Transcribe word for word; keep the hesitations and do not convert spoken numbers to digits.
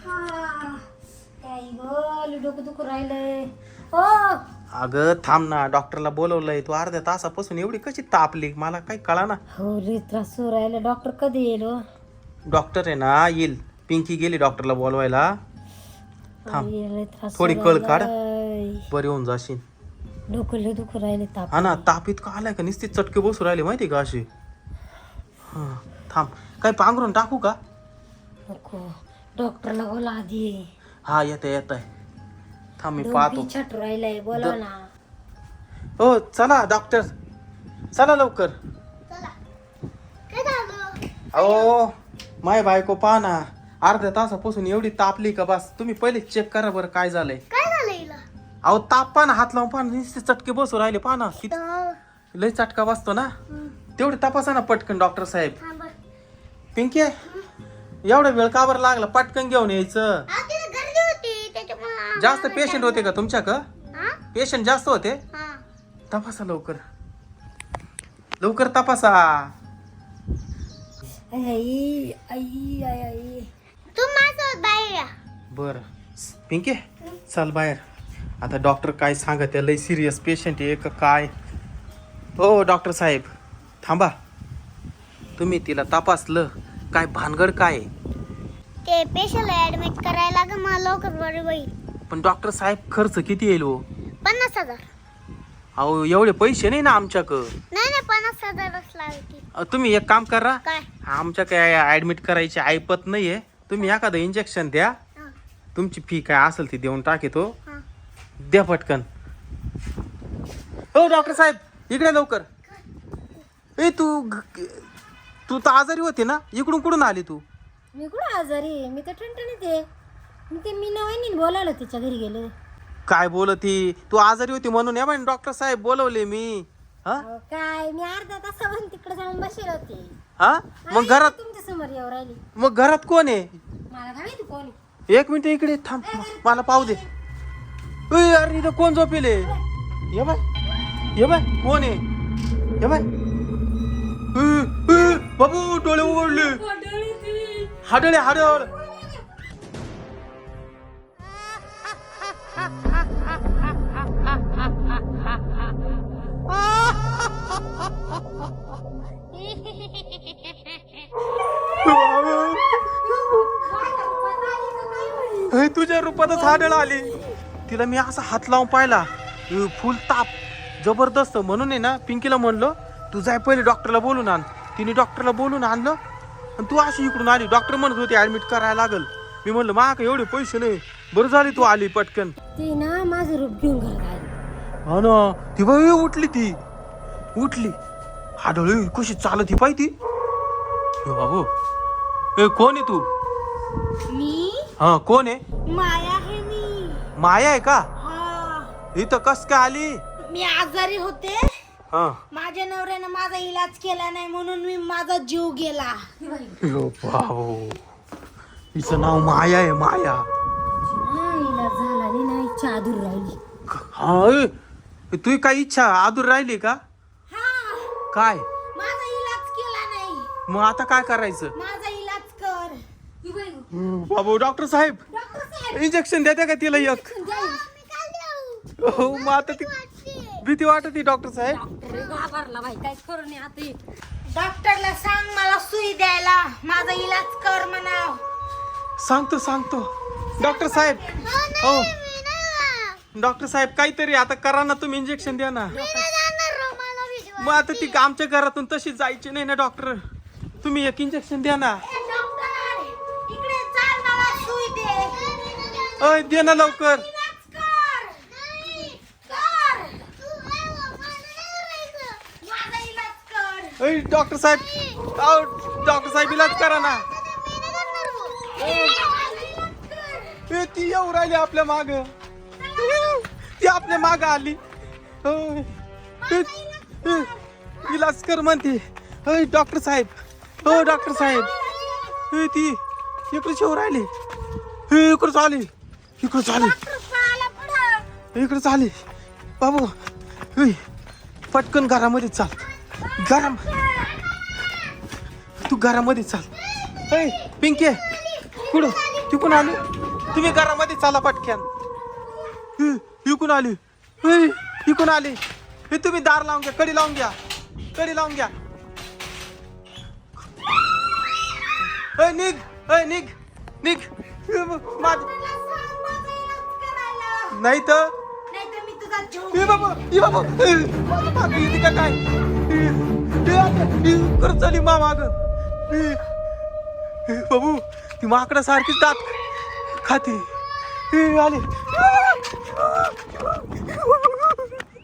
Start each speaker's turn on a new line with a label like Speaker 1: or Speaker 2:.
Speaker 1: काय ग डोकं दुखू राहिलंय ओ.
Speaker 2: अगं थांब ना, डॉक्टरला बोलवलंय. तू अर्ध्या तासापासून एवढी कशी तापली मला काही कळा ना.
Speaker 1: हो रे त्रास होऊ राहिला. डॉक्टर कधी येईल हो?
Speaker 2: डॉक्टर आहे ना येईल. पिंकी गेली डॉक्टरला बोलवायला. थांब
Speaker 1: लय त्रास
Speaker 2: थोडी
Speaker 1: होऊ
Speaker 2: कळ काढ,
Speaker 1: राहिलाय.
Speaker 2: बरी होऊन जाशील.
Speaker 1: डोकं लय दुखू राहिले ताप.
Speaker 2: हा ना, ताप इतका आलाय का नुसते चटके बसू राहिले माहिती का अशी. हा थांब, काही पांघरून टाकू का?
Speaker 1: नको, डॉक्टरला बोला आधी.
Speaker 2: हा येत येत आहे. थांब मी पाहतो.
Speaker 1: छट राहिलाय, बोला ना.
Speaker 2: हो चला डॉक्टर, चला लवकर. अहो माय बायको पहा ना, अर्ध्या तासापासून एवढी तापली का बस. तुम्ही पहिले चेक करा बरं काय झालंय.
Speaker 3: काय झालं हिला?
Speaker 2: अहो ताप पहा ना, हात लावून पहा ना, नुसते चटके बसू राहिले पहा ना. किती लय चटका बसतो ना. तेवढे तपासा ना पटकन डॉक्टर साहेब. पिंकी एवढा वेळ का बरं लागला? पटकन घेऊन यायचं. जास्त पेशंट होते का तुमच्या का? पेशंट जास्त होते? तपासा लवकर, लवकर तपासा.
Speaker 1: आई आई आई आई.
Speaker 3: तू माझ्यासोबत बाहेर या.
Speaker 2: बर पिंकी चल बाहेर. आता डॉक्टर काय सांगत आहे, लय सिरियस पेशंट आहे का काय? हो डॉक्टर साहेब थांबा. तुम्ही तिला तपासलं काय? भानगड काय?
Speaker 3: ते पेशंट ऍडमिट करायला ग मला लवकर बरी होईल.
Speaker 2: पण डॉक्टर साहेब खर्च किती येईल हो?
Speaker 3: पन्नास हजार.
Speaker 2: अहो एवढे पैसे नाही ना आमच्याकडं.
Speaker 3: नाही नाही पन्नास हजारच लागतील.
Speaker 2: अ, तुम्ही एक काम करा,
Speaker 3: काय?
Speaker 2: आमच्या काय ऍडमिट करायची ऐपत नाहीये. तुम्ही एखादं इंजेक्शन द्या,
Speaker 3: हा,
Speaker 2: तुमची फी काय असेल ती देऊन टाकेतो.
Speaker 3: हा.
Speaker 2: द्या पटकन. हो डॉक्टर साहेब इकडे लवकर. ए तू तू तर आजारी होती ना, इकडून कुठून आली तू?
Speaker 1: मी कुठं आजारी आहे? मी तर ठणठणीत आहे. मी ते मी नवीन बोलावलं तिच्या घरी गेले.
Speaker 2: काय बोलती? तू आजारी होती म्हणून या बाई डॉक्टर साहेब बोलवले मी. हा
Speaker 1: अहो, काय मी अर्धा तासावरून तिकडे जाऊन बसेल होते.
Speaker 2: हा मग
Speaker 1: आई,
Speaker 2: घरात
Speaker 1: तुमच्या समोर येऊ राहिली.
Speaker 2: मग घरात कोण आहे?
Speaker 1: मला काय माहिती कोणी.
Speaker 2: एक मिनिट इकडे थांब, मला पाहू दे. ए, अरे इथं कोण झोपेले? ये बाय ये बाय कोण आहे? ये बाय. ए, ए, बाबू डोळे उघडले. हाडळे हाडळ. ए, तुझ्या रूपातच हाडळ आली. तिला मी असा हात लावून पाहिला, ए, फुल ताप जबरदस्त. म्हणून आहे ना पिंकीला म्हणलो तू जाय पहिले डॉक्टरला बोलून आण. तिने डॉक्टरला बोलून आणलं आणि तू अशी इकडून आली. डॉक्टर म्हणत होते ऍडमिट करायला लागल. मी म्हणलं मा का एवढे पैसे नाही. बरं झाली तू आली पटकन.
Speaker 1: ती ना माझं रूप घेऊन घरात आली.
Speaker 2: हा ना ती बाई उठली, ती उठली हाडळ कशी चालत ही पाहिजे. बाबू ए कोण आहे तू?
Speaker 1: मी
Speaker 2: हा कोण आहे?
Speaker 1: माया आहे मी.
Speaker 2: माया आहे का?
Speaker 1: हा,
Speaker 2: इथं कस काय आली?
Speaker 1: मी आजारी होते.
Speaker 2: हा
Speaker 1: माझ्या नवऱ्यानं माझा इलाज केला नाही म्हणून मी माझा जीव गेला.
Speaker 2: यो बाबू हिचं नाव माया आहे. माया.
Speaker 1: हा, इलाज झाला नाही ना, इच्छा अधूर राहिली.
Speaker 2: हा ए, तुझी काय इच्छा आदूर राहिली का?
Speaker 1: हा,
Speaker 2: काय
Speaker 1: माझा इलाज केला नाही.
Speaker 2: मग आता काय करायचं?
Speaker 1: माझा इलाज कर.
Speaker 2: बाबू डॉक्टर साहेब
Speaker 1: डॉक्टर साहेब
Speaker 2: इंजेक्शन देते का तिला एक? हो मग आता ती भीती वाटत डॉक्टर साहेब.
Speaker 1: घाबरला बाई, काय करू नये आता. डॉक्टरला सांग मला सुई द्यायला, माझा इलाज कर म्हणाव.
Speaker 2: सांगतो सांगतो डॉक्टर साहेब. हो डॉक्टर साहेब काहीतरी आता करा ना, तुम्ही इंजेक्शन द्या ना. मग आता ती आमच्या घरातून तशी जायची नाही ना डॉक्टर. तुम्ही एक इंजेक्शन द्या ना.
Speaker 1: ए, डॉक्टर इकडे चाल, मला सुई दे.
Speaker 2: अय दे ना लवकर.
Speaker 1: इलाज कर. कर. माझा इलाज कर.
Speaker 2: अय डॉक्टर साहेब, अहो डॉक्टर साहेब इलाज करा ना. ए, ती येऊ राहिली आपल्या माग. ती आपल्या माग आली. अय, ए, ए, इलाज कर म्हणते. अय डॉक्टर साहेब, हो डॉक्टर साहेब. ए, ती इकडे येऊ राहिली. हे इकडे चाली, इकडे चाली, इकडे चाली. बाबू ए, पटकन घरामध्ये चाल. घरा तू घरामध्ये चाल. ए पिंके कुठं? तिकून आली तुम्ही घरामध्ये चाला पटक्यान इ- इकून आली ए, इकून आली हे तुम्ही दार लावून घ्या कडी लावून घ्या कडी लावून घ्या ए, निघ ए, निघ निघ ए, माझ नाही तर
Speaker 1: नाहीतर मी तुझा जीव
Speaker 2: ए बाबा ए बाबा ए, माझ्या मागं येते का काय ए, ए, आता, ए, कर चली मा माग बाबू ती माकडा सारखीच दात खाते ए, आले